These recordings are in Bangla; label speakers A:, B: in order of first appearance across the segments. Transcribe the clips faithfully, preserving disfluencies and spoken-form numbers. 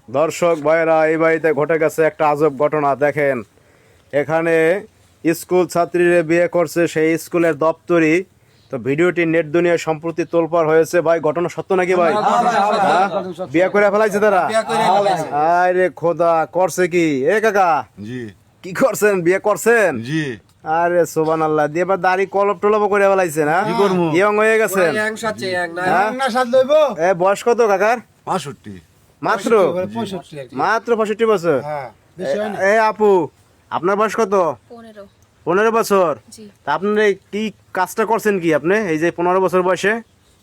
A: দর্শক ভাইরা, এই বাড়িতে ঘটে গেছে একটা আজব ঘটনা। দেখেন, এখানে স্কুল ছাত্রীরা বিয়ে করছে, সেই স্কুলের দপ্তরি। তো ভিডিওটি নেট দুনিয়ায় সম্প্রতি তোলপাড় হয়েছে। ভাই, ঘটনা সত্য নাকি ভাই? হ্যাঁ? বিয়ে করে ফেলাইছে তারা? আরে খোদা, করছে কি? এ কাকা,
B: জি
A: কি করছেন? বিয়ে করছেন?
B: জি
A: আরে সুবহানাল্লাহ, দিয়ে এবার দাড়ি কলপ টলপ করে ফেলাইছেন? হ্যাঁ,
B: কি করবো?
A: ইয়ং হয়ে গেছেন। হ্যাঁ? এ বয়স কত কাকার?
B: পাঁষট্টি।
A: মাত্র মাত্র পঁয়ষট্টি বছর। এ আপু, আপনার বয়স কত?
C: পনেরো।
A: পনেরো বছর।
C: জি।
A: তা আপনার এই কি কাজটা করছেন কি আপনি এই যে পনেরো বছর বয়সে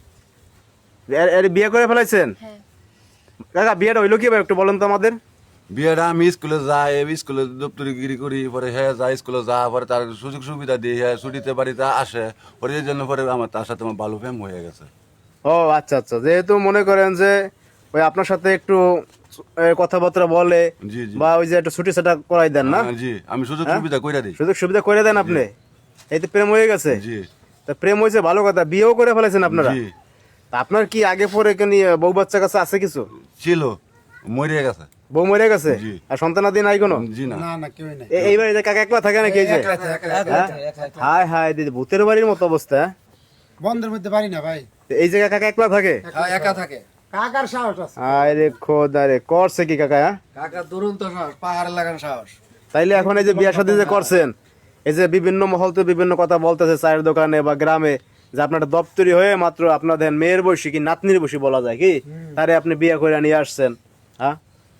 A: এর- এর বিয়ে করে ফেলাইছেন?
C: হ্যাঁ।
A: কাকা, বিয়েটা হইলো কি ভাই, একটু বলেন তো আমাদের।
B: বিয়েটা আমি স্কুলে যাই, স্কুলে দপ্তরি গিরি করি, পরে হ্যাঁ যায় স্কুলে যা, পরে তার সুযোগ সুবিধা দিয়ে হ্যাঁ ছুটিতে বাড়িতে আসে, পরে এই জন্য পরে আমার তার সাথে আমার ভালো প্রেম হয়ে গেছে।
A: ও আচ্ছা আচ্ছা, যেহেতু মনে করেন যে ওই আপনার সাথে একটু এ, কথাবার্তা বলে
B: জি জি
A: বা ওই যে একটু ছুটি সেটা করাই দেন না,
B: হ্যাঁ, জি আমি সুযোগ
A: হ্যাঁ?
B: সুবিধা কইরা দিই।
A: সুযোগ সুবিধা করে দেন আপনি, এই তো প্রেম হয়ে গেছে।
B: জি
A: তা প্রেম হয়েছে ভালো কথা, বিয়েও করে ফেলেছেন আপনারা।
B: জি
A: তা আপনার কি আগে পরে কি নিয়ে বউ বাচ্চা কাছে আছে কিছু?
B: ছিল, মরে গেছে।
A: বউ মরে গেছে?
B: জি।
A: আর সন্তানাদি নাই কোনো?
B: জি না,
A: এ- এই বাড়িতে কাকা একলা থাকে নাকি? এই যে হ্যাঁ? হায় হায় দিদি, ভূতের বাড়ির মতো অবস্থা। হ্যাঁ?
D: বন্ধের মধ্যে পারি না ভাই,
A: তো এই জায়গায় কাকা একলা থাকে?
E: একা থাকে।
D: কাকার সাহস আছে।
A: আরে খোদা রে, করছে কি কাকা? হ্যাঁ?
E: কাকা দুরন্ত সাহস, পাহাড়ে লাগান সাহস।
A: তাইলে এখন এই যে বিয়া শাদী যে করছেন, এই যে বিভিন্ন মহল তো বিভিন্ন কথা বলতেছে চায়ের দোকানে বা গ্রামে, যে আপনার দপ্তরি হয়ে মাত্র আপনাদের মেয়ের বয়সী কি নাতনির বয়সী বলা যায় কি, তারে আপনি বিয়ে করে নিয়ে আসছেন। হ্যাঁ,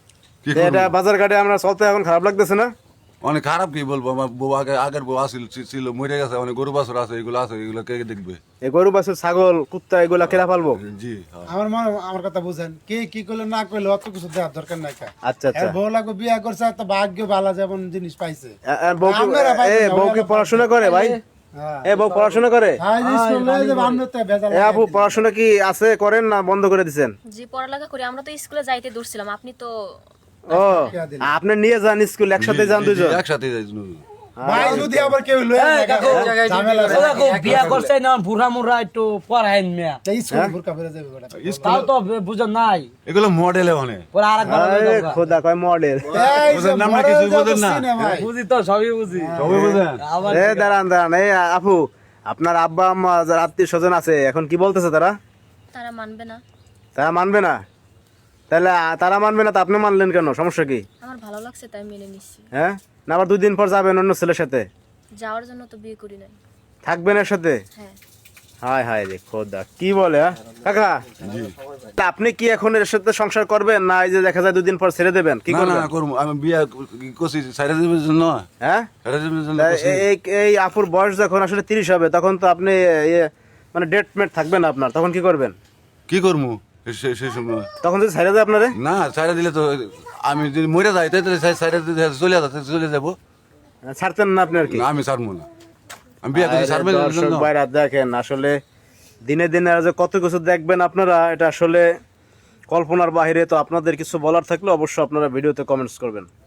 B: কি
A: তো এটা
B: করবো?
A: বাজার ঘাটে আমরা চলতে এখন খারাপ লাগতেছে না?
B: অনেক খারাপ, কি বলবো, আমার বউ আগে আগের বউ আসিল ছিল, মরে গেছে, অনেক গরু বাছুর আছে, এগুলো আছে, এগুলো কে দেখবে?
A: এই গরু বাছুর ছাগল কুত্তা এগুলা কেনা পালবো?
B: জি হ্যাঁ।
D: আমার মনে আমার কথা বুঝেন, কে কি করলে না করলে অত কিছু দেওয়ার দরকার নাই। কা
A: আচ্ছা আচ্ছা।
D: এর বউ লাগো বিয়া করছে, তো ভাগ্য ভালো যেমন জিনিস পাইছে।
A: এ- এ বউ কি-
D: আপনারা পাইবেন
A: এ
D: না,
A: বউ কি
D: ওরা
A: পড়াশোনা করে ভাই?
D: হ্যাঁ
A: এ বউ পড়াশোনা করে?
D: ভাই স্কুল লয়ে যে বামনে তো ভেজাল
A: এ আপু, পড়াশোনা কি আছে করেন না বন্ধ করে দিছেন?
C: জি, পড়ালেখা করি। আমরা তো স্কুলে যাইতে দূরছিলাম, আপনি তো
A: ও, আপনি নিয়ে যান স্কুল, একসাথে যান
B: জি, জি,
A: দুজন?
B: একসাথে যাই।
D: ভাই যদি আবার কেউ লয়ে যায়
E: কাকু, জায়গায়
D: ঝামেলা
E: ডিউটি
D: আছে।
E: করে।
F: দেখো বিয়া করছে না বুড়া মুড়া একটু পড়াইন মেয়া,
D: তাই স্কুল বুরকা ফেলে যাবে গোটা।
F: তাও তো বুঝো নাই
B: এগুলো মডেলে অনেক।
F: পরে আরেকবার
A: আরে খোদা, কয় মডেল।
D: এই যে
B: বুঝেন না, আমরা
D: মডেল
B: কিছু
D: যা
B: বুঝেন না।
D: বুঝছি ভাই।
F: বুঝি তো সবই বুঝি
B: সবাই বুঝেন?
F: আবার
A: এ দাঁড়ান দাঁড়ান, এই আপু, আপনার আব্বা আম্মা যারা আত্মীয় স্বজন আছে এখন কি বলতেছে তারা?
C: তারা মানবে না।
A: তারা মানবে না? তাহলে আ, তারা মানবে না তা আপনি মানলেন কেন? সমস্যা কি?
C: আমার ভালো লাগছে তাই মেনে নিচ্ছি।
A: হ্যাঁ, না আবার দুই দিন পর যাবেন অন্য ছেলের সাথে?
C: যাওয়ার জন্য তো বিয়ে করি নাই।
A: থাকবেন এর সাথে?
C: হ্যাঁ।
A: হায় হায় রে খোদা, কি বলে? হ্যাঁ? কাকা, তা আপনি কি এখন এর সাথে সংসার করবেন না এই যে দেখা যায় দুই দিন পর ছেড়ে দেবেন? কি
B: না
A: করবেন?
B: না করবো, আমি বিয়া করছি সাইডে দেবের জন্য।
A: হ্যাঁ,
B: সাইডে দেবের জন্য
A: তা
B: করছি।
A: এই- এই এই আপুর বয়স যখন আসলে তিরিশ হবে, তখন তো আপনি ইয়ে, মানে ডেট মেট থাকবে না আপনার, তখন কি করবেন?
B: কি করবো সে- সেই সময়?
A: তখন যদি ছেড়ে দেয় আপনারে?
B: না, সাইডে দিলে তো আমি যদি মরে যাই তাহলে সাইডে চলে যাতে চলে যাবো।
A: ছাড়তেন না আপনি আর কি?
B: না, আমি ছাড়বো না, আমি বিয়া করছি ছাড়বে
A: আরে দর্শক ভাইরা, দেখেন আসলে দিনে দিনে আর যে কত কিছু দেখবেন আপনারা, এটা আসলে কল্পনার বাহিরে। তো আপনাদের কিছু বলার থাকলে অবশ্যই আপনারা ভিডিওতে কমেন্টস করবেন।